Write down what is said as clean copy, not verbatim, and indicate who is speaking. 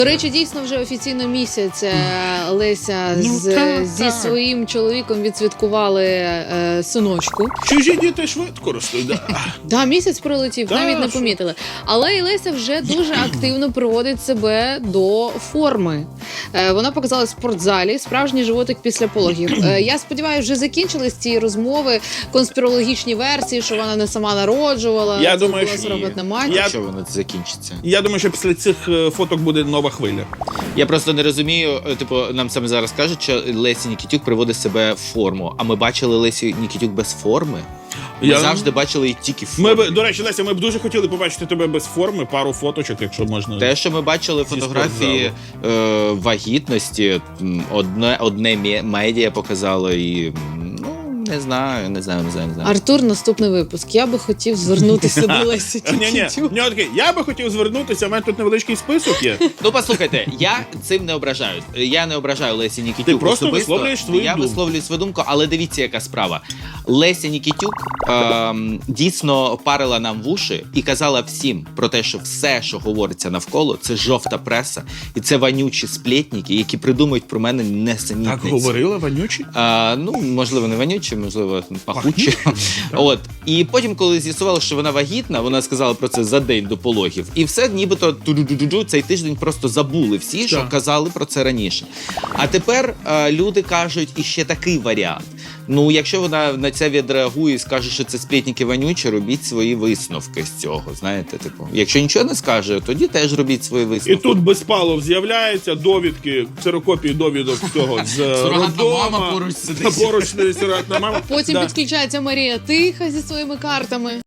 Speaker 1: До речі, дійсно вже офіційно місяць Леся зі своїм чоловіком відсвяткували синочку.
Speaker 2: Чужі діти швидко ростуть, да.
Speaker 1: Да, місяць пролетів, навіть не помітили. Але і Леся вже дуже активно приводить себе до форми. Вона показала в спортзалі справжній животик після пологів. Я сподіваюся, вже закінчились ці розмови, конспірологічні версії, що вона не сама народжувала.
Speaker 2: Я думаю, що
Speaker 1: сурогатна мать.
Speaker 3: Якщо воно закінчиться.
Speaker 2: Я думаю, що після цих фоток буде нова хвиля.
Speaker 3: Я просто не розумію, типу, нам саме зараз кажуть, що Леся Нікітюк приводить себе в форму, а ми бачили Лесю Нікітюк без форми. Ми завжди бачили її тільки в формі.
Speaker 2: До речі, Леся, ми б дуже хотіли побачити тебе без форми, пару фоточок, якщо можна.
Speaker 3: Те, що ми бачили фотографії вагітності, одне медіа показало і, не знаю.
Speaker 1: Артур, наступний випуск. Я би хотів звернутися до Лесі Нікітюк.
Speaker 2: Я би хотів звернутися, у мене тут невеличкий список є.
Speaker 3: Ну, послухайте, я цим не ображаю. Я не ображаю Лесі Нікітюк.
Speaker 2: Ти просто
Speaker 3: особисто.
Speaker 2: висловлюєш свою думку.
Speaker 3: Я висловлюю свою думку, але дивіться, яка справа. Леся Нікітюк дійсно парила нам вуші і казала всім про те, що все, що говориться навколо, це жовта преса. І це вонючі сплетники, які придумують про мене несенітниці.
Speaker 2: Так говорила вонючі?
Speaker 3: Можливо, не вонючі, можливо, пахучі. От. І потім, коли з'ясували, що вона вагітна, вона сказала про це за день до пологів. І все, нібито цей тиждень просто забули всі, що казали про це раніше. А тепер люди кажуть іще такий варіант. Ну, якщо вона на це відреагує і скаже, що це сплетники вонючі, робіть свої висновки з цього, знаєте, типу. Якщо нічого не скаже, тоді теж робіть свої висновки.
Speaker 2: І тут Безпалов з'являється, довідки, ксерокопії довідок цього з роддома.
Speaker 3: поруч сидить.
Speaker 2: Поруч сидить сурогатна мама.
Speaker 1: Потім підключається Марія Тиха зі своїми картами.